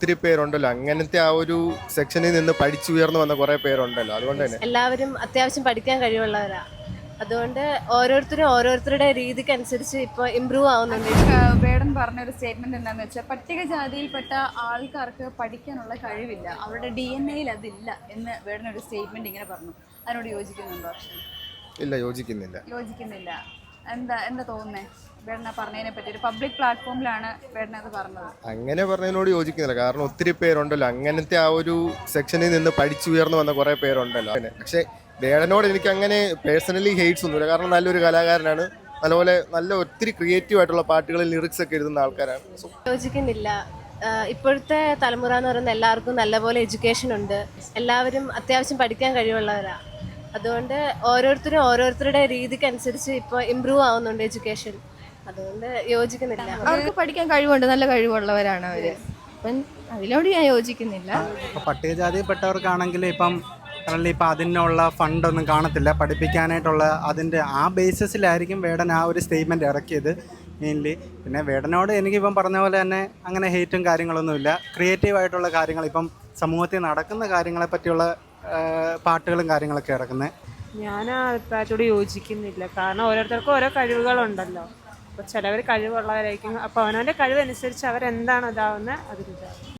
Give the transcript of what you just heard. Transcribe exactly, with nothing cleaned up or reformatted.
ഒത്തിരി പേരുണ്ടല്ലോ അങ്ങനത്തെ ആ ഒരു സെക്ഷനിൽ നിന്ന് പഠിച്ചുയർന്നു വന്ന കുറെ പേരുണ്ടല്ലോ, അതുകൊണ്ട് തന്നെ എല്ലാവരും അത്യാവശ്യം പഠിക്കാൻ കഴിവുള്ളവരാ. അതുകൊണ്ട് ഓരോരുത്തരും ഓരോരുത്തരുടെ രീതിക്ക് അനുസരിച്ച് ഇപ്പോൾ ഇമ്പ്രൂവ് ആവുന്നുണ്ട്. ഏഹ് വേടൻ പറഞ്ഞൊരു സ്റ്റേറ്റ്മെന്റ് എന്താണെന്ന് വെച്ചാൽ പട്ടികജാതിയിൽപ്പെട്ട ആൾക്കാർക്ക് പഠിക്കാനുള്ള കഴിവില്ല, അവരുടെ ഡി എൻ എയിൽ അതില്ല എന്ന് വേടൻ ഒരു സ്റ്റേറ്റ്മെന്റ് ഇങ്ങനെ പറഞ്ഞു. അതിനോട് യോജിക്കുന്നുണ്ടോ അർഷൻ? ഇല്ല, യോജിക്കുന്നില്ല. യോജിക്കുന്നില്ല. എന്താ എന്താ തോന്നുന്നേ? വേടന പറഞ്ഞതിനെ പറ്റി ഒരു പബ്ലിക് പ്ലാറ്റ്ഫോമിലാണ് വേടന അത് പറഞ്ഞത്. അങ്ങനെ പറഞ്ഞതിനോട് യോജിക്കുന്നില്ല. കാരണം ഒത്തിരി പേരുണ്ടല്ലോ അങ്ങനത്തെ ആ ഒരു സെക്ഷനിൽ നിന്ന് പഠിച്ചുയർന്നു വന്ന കുറെ പേരുണ്ടല്ലോ. പക്ഷെ വേടനോട് എനിക്ക് അങ്ങനെ പേഴ്സണലി ഹെയ്റ്റ്സ് ഒന്നുമില്ല. കാരണം നല്ലൊരു കലാകാരനാണ്, നല്ലപോലെ നല്ല ഒത്തിരി ക്രിയേറ്റീവ് ആയിട്ടുള്ള പാട്ടുകളിൽ ലിറിക്സ് ഒക്കെ എഴുതുന്ന ആൾക്കാരാണ്. സോ യോജിക്കുന്നില്ല. ആഹ് ഇപ്പോഴത്തെ തലമുറ എന്ന് പറയുന്നത് എല്ലാവർക്കും നല്ലപോലെ എഡ്യൂക്കേഷൻ ഉണ്ട്, എല്ലാവരും അത്യാവശ്യം പഠിക്കാൻ കഴിവുള്ളവരാ. അതുകൊണ്ട് ഓരോരുത്തരും ഓരോരുത്തരുടെ രീതിക്ക് അനുസരിച്ച് ഇപ്പോൾ ഇമ്പ്രൂവ് ആവുന്നുണ്ട് എഡ്യൂക്കേഷൻ. അതുകൊണ്ട് യോജിക്കുന്നില്ല. അവർക്ക് പഠിക്കാൻ കഴിവുണ്ട്, നല്ല കഴിവുള്ളവരാണ് അവര്. അപ്പം അതിനോട് ഞാൻ യോജിക്കുന്നില്ല. ഇപ്പോൾ പട്ടികജാതിയിൽപ്പെട്ടവർക്കാണെങ്കിൽ ഇപ്പം കറൻലി ഇപ്പം അതിനുള്ള ഫണ്ടൊന്നും കാണത്തില്ല പഠിപ്പിക്കാനായിട്ടുള്ള. അതിൻ്റെ ആ ബേസിസിലായിരിക്കും വേടൻ ആ ഒരു സ്റ്റേറ്റ്മെൻറ്റ് ഇറക്കിയത് മെയിൻലി. പിന്നെ വേടനോട് എനിക്കിപ്പം പറഞ്ഞ പോലെ തന്നെ അങ്ങനെ ഹെയ്റ്റും കാര്യങ്ങളൊന്നുമില്ല. ക്രിയേറ്റീവായിട്ടുള്ള കാര്യങ്ങൾ, ഇപ്പം സമൂഹത്തിൽ നടക്കുന്ന കാര്യങ്ങളെ പറ്റിയുള്ള പാട്ടുകളും കാര്യങ്ങളൊക്കെ ഇറക്കുന്നത്. ഞാൻ ആ അഭിപ്രായത്തോട് യോജിക്കുന്നില്ല. കാരണം ഓരോരുത്തർക്കും ഓരോ കഴിവുകളുണ്ടല്ലോ. അപ്പോൾ ചിലവർ കഴിവുള്ളവരായിരിക്കും, അപ്പോൾ അവനവൻ്റെ കഴിവനുസരിച്ച് അവരെന്താണ് ഇതാവുന്നത് അതിലിതാവും.